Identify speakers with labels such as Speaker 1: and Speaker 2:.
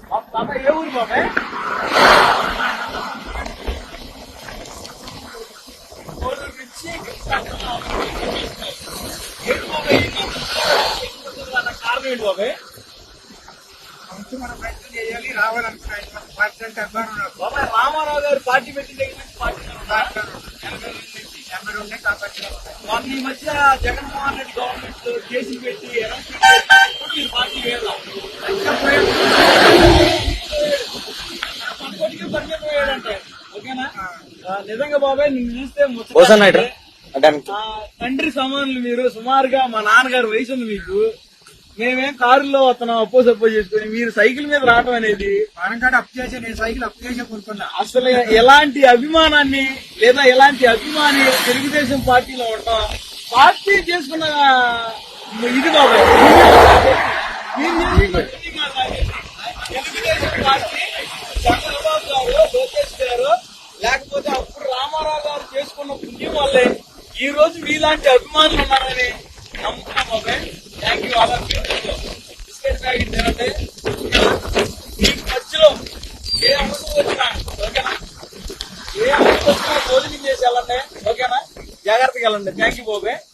Speaker 1: బాబాయ్ ఏ ఊరు బాబాయ్? కోడూరు నుంచి ఏంటి బాబాయ్ కారణం ఏంటి బాబాయ్?
Speaker 2: మన ప్రయత్నం చేయాలి, రావాలనుకున్నాను.
Speaker 1: బాబాయ్ రామారావు గారు పార్టీ పెట్టిన దగ్గర నుంచి పార్టీ మొన్న ఈ మధ్య జగన్మోహన్ రెడ్డి గవర్నమెంట్ కేసులు పెట్టి మీరు పార్టీ వేయాలి పోయాడంటే ఓకేనా? నిజంగా బాబాయ్ నిన్ను చూస్తే తండ్రి సమానులు మీరు. సుమారుగా మా నాన్నగారు వయసు ఉంది మీకు. మేమేం కారులో వస్తున్నాం అప్పో సప్పో చేసుకుని మీరు సైకిల్ మీద రావడం అనేది
Speaker 2: నేను సైకిల్ అప్ చేసి కొనుక్కున్నా.
Speaker 1: అసలు ఎలాంటి అభిమానాన్ని లేదా ఎలాంటి అభిమాని తెలుగుదేశం పార్టీలో ఉంటాం పార్టీ చేసుకున్న ఇది బాబాయ్. తెలుగుదేశం పార్టీ చంద్రబాబు గారు, లోకేష్ గారు, లేకపోతే అప్పుడు రామారావు గారు చేసుకున్న పుణ్యం వల్లే ఈ రోజు మీలాంటి అభిమానులు ఉన్నారని నమ్ముతున్నాం బాబాయ్. Thank you. అలా బిస్కెట్ ప్యాకెట్ తినండి. మీకు మధ్యలో ఏ అవసరం వచ్చినా ఓకేనా, ఏ అవసరం వచ్చినా భోజనం చేసి వెళ్ళండి ఓకేనా, జాగ్రత్తగా వెళ్ళండి. థ్యాంక్ యూ బాబాయ్.